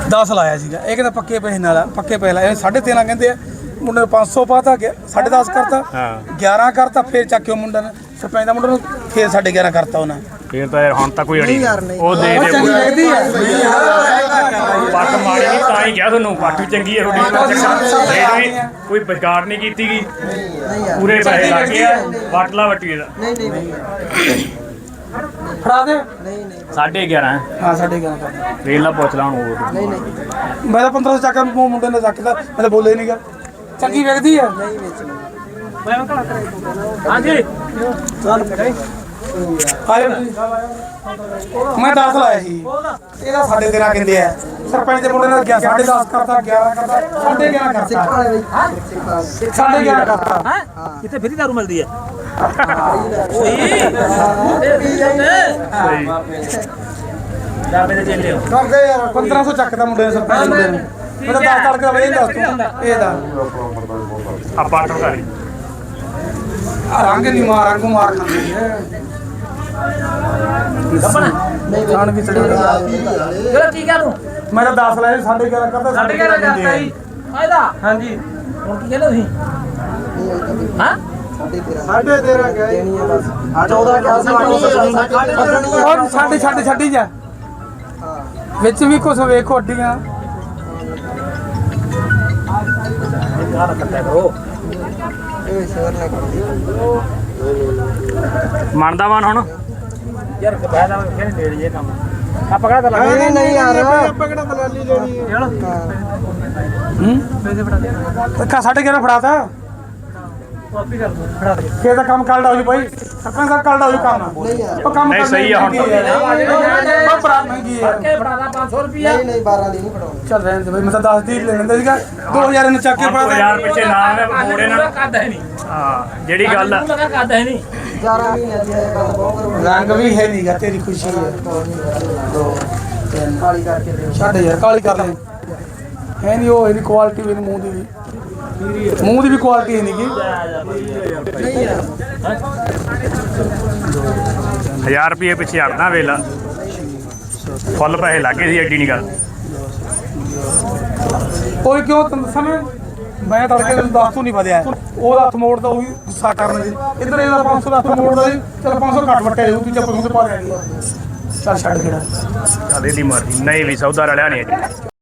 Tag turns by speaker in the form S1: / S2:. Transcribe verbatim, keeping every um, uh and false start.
S1: ਦਸ ਲਾਇਆ ਸੀਗਾ ਇਹ ਕਹਿੰਦਾ ਪੱਕੇ ਪੈਸੇ ਨਾਲ ਪੱਕੇ ਪੈਸੇ ਲਾਏ ਸਾਢੇ ਤੇਰਾਂ ਕਹਿੰਦੇ ਆ ਮੁੰਡੇ ਨੂੰ ਪੰਜ ਸੌ ਪਾਤਾ ਗਿਆ ਸਾਢੇ ਦਸ ਕਰਤਾ ਗਿਆਰਾਂ ਕਰਤਾ ਫਿਰ ਚੱਕਿਓ ਮੁੰਡੇ ਨੇ ਸਰਪੰਚ ਦਾ ਮੁੰਡੇ ਨੂੰ ਫਿਰ ਸਾਢੇ ਗਿਆਰਾਂ ਕਰਤਾ ਉਹਨਾਂ
S2: ਫਿਰ ਤਾਂ ਯਾਰ ਹੁਣ ਤਾਂ ਕੋਈ ਅੜੀ ਉਹ ਦੇ ਦੇ
S1: ਚੰਗੀ ਲੱਗਦੀ ਹੈ
S2: ਪੱਟ ਮਾਰੀ ਨਹੀਂ ਤਾਂ ਹੀ ਕਿਹਾ ਤੁਹਾਨੂੰ ਪੱਟ ਵੀ ਚੰਗੀ ਹੈ ਤੁਹਾਡੀ ਕੋਈ ਵਿਗਾੜ ਨਹੀਂ ਕੀਤੀ ਗਈ ਪੂਰੇ ਪੈਸੇ ਲੱਗ ਗਏ ਆ ਵਟਲਾ ਵਟੀਏ ਦਾ
S3: ਨਹੀਂ ਨਹੀਂ
S1: ਫੜਾ ਦੇ
S3: ਨਹੀਂ ਨਹੀਂ
S2: ਸਾਢੇ ਗਿਆਰਾਂ
S1: ਹਾਂ ਸਾਢੇ ਗਿਆਰਾਂ ਕਰਤਾ
S2: ਰੇਲ ਨਾਲ ਪੁੱਛ ਲਾ ਹੁਣ ਉਹ
S3: ਨਹੀਂ ਨਹੀਂ
S1: ਮੈਂ ਤਾਂ ਪੰਦਰਾਂ ਸੌ ਚੱਕ ਮੁੰਡੇ ਨੇ ਚੱਕਦਾ ਮੈਂ ਤਾਂ ਬੋਲੇ ਨਹੀਂਗਾ ਚੰਗੀ ਵੇਖਦੀ ਆ
S3: ਨਹੀਂ ਵੇਚਣੀ
S2: ਹਾਂਜੀ
S1: ਮੈਂ ਦਸ ਲਾਇਆ ਸੀ ਇਹਦਾ ਸਾਢੇ ਤੇਰਾਂ ਕਹਿੰਦੇ ਆ ਸਰਪੰਚ ਦੇ ਮੁੰਡੇ ਨੇ ਗਿਆ ਸਾਢੇ ਦਸ ਕਰਤਾ ਗਿਆਰਾਂ ਕਰਤਾ ਸਾਢੇ ਗਿਆਰਾਂ ਕਰਤਾ ਸਾਢੇ ਗਿਆਰਾਂ ਕਰਤਾ
S4: ਹਾਂ ਕਿਤੇ ਫਰੀ ਦਾਰੂ ਮਿਲਦੀ ਹੈ ਜਾਵੇ ਦੇ ਚੇਲੇ ਹੋ
S1: ਕਰਦੇ ਯਾਰ ਪੰਦਰਾਂ ਸੌ ਚੱਕਦਾ ਮੁੰਡੇ ਨੇ ਸਰਪੰਚ ਮੁੰਡੇ ਨੇ ਮੈਂ ਤਾਂ ਦਸ ਤੜਕਾ ਵੇ ਦੱਸ ਤੂੰ ਇਹਦਾ
S2: ਆ ਪੱਟ ਕਰੀ
S1: ਰੰਗ ਨਹੀਂ ਮਾਰ ਰੰਗ ਮਾਰ ਖਾਂਦੀ ਹੈ ਜਾਣ ਵੀ ਚੜੀ
S4: ਚਲੋ ਠੀਕ ਹੈ ਤੂੰ
S1: ਮੈਂ ਤਾਂ ਦਸ ਲਾਇਆ ਸਾਢੇ ਗਿਆਰਾਂ ਕਰਦਾ
S4: ਸਾਢੇ ਗਿਆਰਾਂ ਕਰਤਾ ਜੀ ਫਾਇਦਾ
S1: ਹਾਂਜੀ
S4: ਹੁਣ ਕੀ ਕਹਿੰਦੇ ਤੁਸੀਂ ਹਾਂ
S3: ਸਾਢੇ ਤੇਰਾਂ ਗਿਆ ਦੇਣੀ ਹੈ ਬਸ ਚੌਦਾਂ ਕਿਹਾ ਸੀ
S1: ਔਰ ਸਾਡੇ ਸਾਡੇ ਛੱਡੀ ਜਾ ਵਿੱਚ ਵੀ ਕੁਛ ਵੇਖੋ ਅੱਡੀਆਂ
S4: ਗਾਲ ਕੱਟਿਆ ਕਰੋ
S3: ਇਹ ਸ਼ੇਰ ਨੇ ਕਰਦੀ
S2: ਮੰਨਦਾ ਮਨ ਹੁਣ
S4: ਯਾਰ ਫਾਇਦਾ ਕਿਹਨੇ ਨੇੜੇ ਜੇ ਕੰਮ ਆ ਪਕੜਾ ਤਾਂ ਲੱਗ
S3: ਨਹੀਂ ਨਹੀਂ ਯਾਰ
S1: ਆਪਾਂ ਕਿਹੜਾ ਦਲਾਲੀ ਲੈਣੀ ਹੈ ਹੂੰ
S4: ਪੈਸੇ ਫੜਾ ਦੇ
S1: ਅੱਖਾਂ ਸਾਢੇ ਗਿਆਰਾਂ ਫੜਾਤਾ
S4: ਕਾਪੀ ਕਰ ਦੋ ਫੜਾ ਦੇ
S1: ਫੇਰ ਤਾਂ ਕੰਮ ਕੱਲ੍ਹ ਹੋ ਜੂ ਭਾਈ ਸਰਪੰਚ ਸਾਹਿਬ ਕੱਲ੍ਹ ਹੋ ਜੂ ਕੰਮ ਉਹ ਕੰਮ
S2: ਨਹੀਂ, ਸਹੀ ਆ ਹੁਣ ਤਾਂ।
S1: ਉਹ ਬੜਾ ਮਹਿੰਗੀ ਹੈ
S4: ਕੇ ਫੜਾ ਦਾ ਪੰਜ ਸੌ ਰੁਪਿਆ
S3: ਨਹੀਂ ਨਹੀਂ ਬਾਰਾਂ ਦੀ ਨਹੀਂ ਫੜਾਉਣੀ
S1: ਚੱਲ ਰਹਿਣ ਦੇ ਭਾਈ ਮੈਂ ਤਾਂ ਦਸ ਦੀ ਲੈ ਲੈਂਦਾ ਸੀਗਾ ਦੋ ਹਜ਼ਾਰ ਇਹਨੂੰ ਚੱਕ ਕੇ ਫੜਾ ਦੇ
S2: ਯਾਰ ਪਿੱਛੇ ਨਾ ਮੋੜੇ ਨਾ
S4: ਕਰਦਾ ਹੈ ਨਹੀਂ
S2: ਹਾਂ ਜਿਹੜੀ ਗੱਲ ਆ
S4: ਲਗਾ ਕਰਦਾ ਹੈ ਨਹੀਂ
S3: ਗਿਆਰਾਂ ਮਹੀਨੇ ਦੀ ਇਹ ਗੱਲ ਬਹੁਤ ਕਰੋ
S1: ਰੰਗ ਵੀ ਹੈ ਨਹੀਂਗਾ ਤੇਰੀ ਖੁਸ਼ੀ ਹੈ
S3: ਕਾਲੀ ਕਰਕੇ ਦੇ
S1: ਛੱਡ ਯਾਰ ਕਾਲੀ ਕਰ ਲੈ ਹੈ ਨਹੀਂ ਉਹ ਇਹਦੀ ਕੁਆਲਿਟੀ ਵੀ ਮੂੰਹ ਦੀ ਵੀ ਮੂੰਹ ਦੀ ਵੀ ਕੁਆਲਿਟੀ ਹੈ ਨਹੀਂਗੀ
S2: ਹਜ਼ਾਰ ਰੁਪਏ ਪਿੱਛੇ ਹਟਣਾ ਵੇਲਾ ਫੁੱਲ ਪੈਸੇ ਲੱਗੇ ਸੀ ਐਡੀ ਨਹੀਂ ਗੱਲ
S1: ਕੋਈ ਕਿਉਂ ਤੈਨੂੰ ਦੱਸਾਂ ਮੈਂ ਮੈਂ ਤੜਕੇ ਤੈਨੂੰ ਦੱਸ ਤੂੰ ਨਹੀਂ ਵਧਿਆ ਉਹਦਾ ਹੱਥ ਮੋੜਦਾ ਉਹ ਵੀ ਗੁੱਸਾ ਕਰਨ ਜੀ ਇੱਧਰ ਇਹਦਾ ਪੰਜ ਸੌ ਦਾ ਹੱਥ ਮੋੜਦਾ ਜੀ ਚਲ ਪੰਜ ਸੌ ਘੱਟ ਵਟਿਆ ਜਾਊ ਤੂੰ ਚੱਪ ਨੂੰ ਤੇ ਪਾ ਲੈਣੀ ਚੱਲ ਛੱਡ ਕਿਹੜਾ
S2: ਚੱਲ ਇਹਦੀ ਮਰਜ਼ੀ ਨਹੀਂ ਵੀ ਸੌਦਾ ਰਲਿਆ ਨਹੀਂ